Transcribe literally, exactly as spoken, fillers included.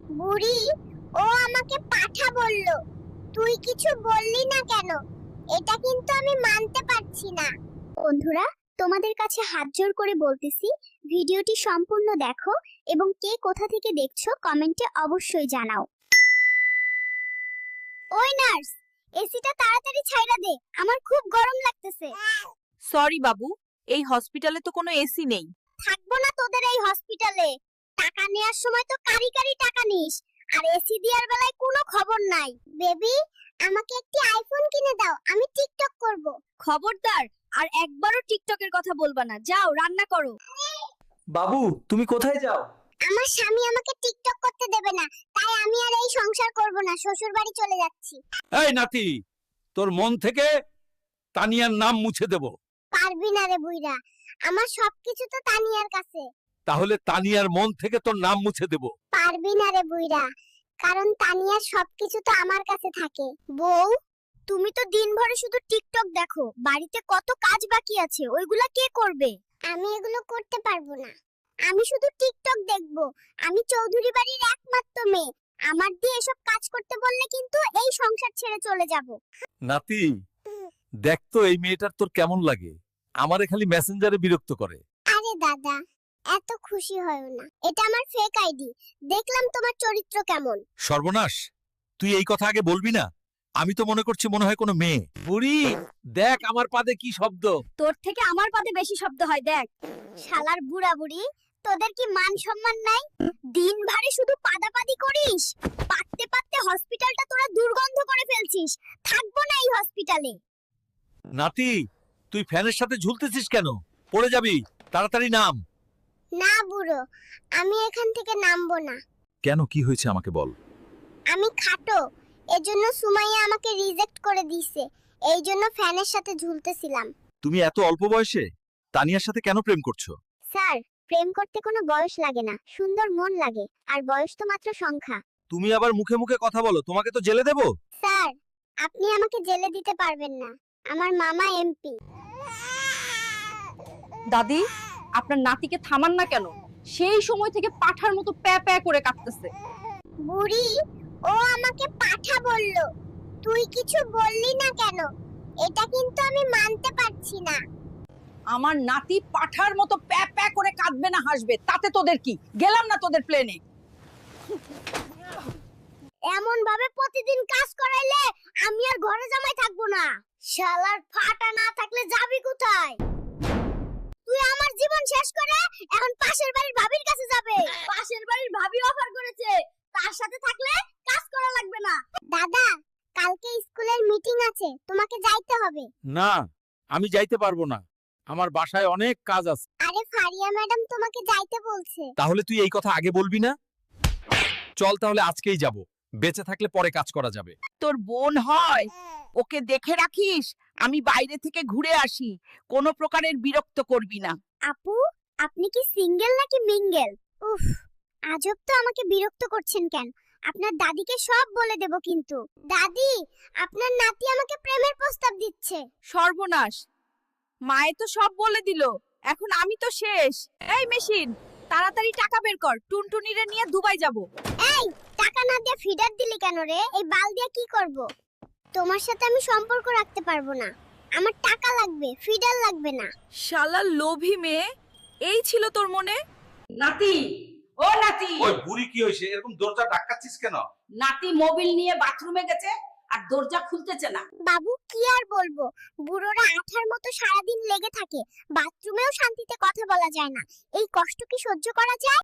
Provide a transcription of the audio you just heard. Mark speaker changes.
Speaker 1: বুড়ি, ও আমাকে পাঠা বলল, তুই কিছু বললি না কেন? এটা কিন্তু আমি মানতে পারছি না। বন্ধুরা, তোমাদের কাছে হাত জোড় করে বলতেছি, ভিডিওটি সম্পূর্ণ দেখো এবং কে কোথা থেকে দেখছো কমেন্টে অবশ্যই জানাও। ওই নার্স, এসিটা তাড়াতাড়ি ছাইড়া দে, আমার খুব গরম লাগতেছে।
Speaker 2: সরি বাবু, এই হসপিটালে তো কোনো এসি নেই।
Speaker 1: থাকবো না তোদের এই হসপিটালে। টাকা নেয়ার সময় তো কারি কারি টাকা নিস, আর এসি দেওয়ার বেলায় কোনো খবর নাই। বেবি, আমাকে একটি আইফোন কিনে দাও, আমি টিকটক করব।
Speaker 2: খবরদার, আর একবারও টিকটকের কথা বলবা না। যাও রান্না করো।
Speaker 3: বাবু, তুমি কোথায় যাও?
Speaker 1: আমার স্বামী আমাকে টিকটক করতে দেবে না, তাই আমি আর এই সংসার করব না, শ্বশুর বাড়ি চলে যাচ্ছি।
Speaker 4: এই নাতি, তোর মন থেকে তানিয়ার নাম মুছে দেব।
Speaker 1: পারবি না রে বুইরা, আমার সবকিছু তো তানিয়ার কাছে।
Speaker 4: তাহলে তানিয়ার মন থেকে তোর নাম মুছে দেব।
Speaker 1: পারবি না রে বুইরা, কারণ তানিয়ার সবকিছু তো আমার কাছে থাকে। বউ, তুমি তো দিনভরে শুধু টিকটক দেখো, বাড়িতে কত কাজ বাকি আছে, ওইগুলা কে করবে? আমি এগুলো করতে পারবো না, আমি শুধু টিকটক দেখবো। আমি চৌধুরী বাড়ির একমাত্র মেয়ে, আমার দিয়ে এসব কাজ করতে বললে কিন্তু এই সংসার ছেড়ে চলে যাব।
Speaker 4: নাতি, দেখ তো এই মেয়েটার তোর কেমন লাগে। আমারে খালি মেসেঞ্জারে বিরক্ত করে।
Speaker 1: আরে দাদা, এত খুশি হয়ো না, এটা আমার ফেক আইডি। দেখলাম তোমার চরিত্র কেমন।
Speaker 4: সর্বনাশ, তুই এই কথা আগে বলবি না। আমি তো মনে করছি মনে হয় কোনো মেয়ে। বুড়ি, দেখ আমার পাদে কি শব্দ।
Speaker 2: তোর থেকে আমার পাতে বেশি শব্দ হয়, দেখ।
Speaker 1: শালার বুড়া বুড়ি, তোদের কি মান সম্মান নাই? দিন ভারে শুধু পাদাপাদি করিস, পাততে পাততে হসপিটালটা তোরা দুর্গন্ধ করে ফেলছিস। থাকবো না এই হসপিটালে।
Speaker 4: নাতি, তুই ফ্যানের সাথে ঝুলতেছিস কেন? পড়ে যাবি, তাড়াতাড়ি নাম।
Speaker 1: না বুড়ো, আমি এখান থেকে নামবো না।
Speaker 4: কেন, কি হয়েছে আমাকে বল।
Speaker 1: আমি খাটো, এজন্য সুমাইয়া আমাকে রিজেক্ট করে দিয়েছে, এই জন্য ফ্যানের সাথে ঝুলতেছিলাম।
Speaker 4: তুমি এত অল্প বয়সে তানিয়ার সাথে কেন প্রেম করছো?
Speaker 1: স্যার, প্রেম করতে কোনো বয়স লাগে না, সুন্দর মন লাগে, আর বয়স তো মাত্র সংখ্যা।
Speaker 4: তুমি আবার মুখে মুখে কথা বলো, তোমাকে তো জেলে দেব।
Speaker 1: স্যার, আপনি আমাকে জেলে দিতে পারবেন না, আমার মামা এমপি।
Speaker 2: দাদি, আপনার নাতিকে থামান না কেন? সেই সময় থেকে পাঠার মতো প্যা প্যা করে কাঁদতেছে।
Speaker 1: বুড়ি, ও আমাকে পাঠা বলল, তুই কিছু বললি না কেন? এটা কিন্তু আমি মানতে পারছি না।
Speaker 2: আমার নাতি পাঠার মতো প্যা প্যা করে কাঁদবে না হাসবে, তাতে তোদের কি? গেলাম না তোদের প্লেনে।
Speaker 1: এমন ভাবে প্রতিদিন কাজ করাইলে আমি আর ঘরে জামাই থাকবো না। শালার ফাটা না থাকলে যাবি কোথায়? তুই আমার জীবন শেষ করে এখন পাশের বাড়ির ভাবির কাছে যাবে। পাশের বাড়ির ভাবি অফার করেছে, তার সাথে থাকলে কাজ করা লাগবে না। দাদা, কালকে স্কুলের মিটিং আছে, তোমাকে যাইতে হবে।
Speaker 4: না, আমি যাইতে পারবো না, আমার বাসায় অনেক কাজ আছে।
Speaker 1: আরে ফারিয়া ম্যাডাম তোমাকে যাইতে বলছে।
Speaker 4: তাহলে তুই এই কথা আগে বলবি না? চল তাহলে আজকেই যাব, বেঁচে থাকলে পরে কাজ করা যাবে।
Speaker 2: তোর বোন হয়, ওকে দেখে রাখিস। আমি বাইরে থেকে ঘুরে আসি, কোনো প্রকারের বিরক্ত করবি না।
Speaker 1: আপু, আপনি কি সিঙ্গেল নাকি মিঙ্গেল? উফ, আজব তো, আমাকে বিরক্ত করছেন কেন? আপনার দাদিকে সব বলে দেব কিন্তু। দাদি, আপনার নাতি আমাকে প্রেমের প্রস্তাব দিচ্ছে।
Speaker 2: সর্বনাশ, মায়ে তো সব বলে দিল, এখন আমি তো শেষ। এই মেশিন, তাড়াতাড়ি টাকা বের কর, টুনটুনিরে নিয়ে দুবাই যাব।
Speaker 1: এই, টাকা না দিয়ে ফিডার দিলি কেন রে? এই বাল দিয়ে কি করব? তোমার সাথে আমি সম্পর্ক রাখতে পারবো না, আমার টাকা লাগবে, ফিডার লাগবে না।
Speaker 2: শালা লোভী মেয়ে, এই ছিল তোর মনে? নাতি, ও নাতি।
Speaker 4: ওই বুড়ি কি হইছে, এরকম দরজা ধাক্কাচ্ছিস কেন?
Speaker 2: নাতি মোবাইল নিয়ে বাথরুমে গেছে আর দরজা খুলতেছে না।
Speaker 1: বাবু, কি আর বলবো, বুড়োরা আঠার মতো সারাদিন লেগে থাকে, বাথরুমেও শান্তিতে কথা বলা যায় না। এই কষ্ট কি সহ্য করা যায়?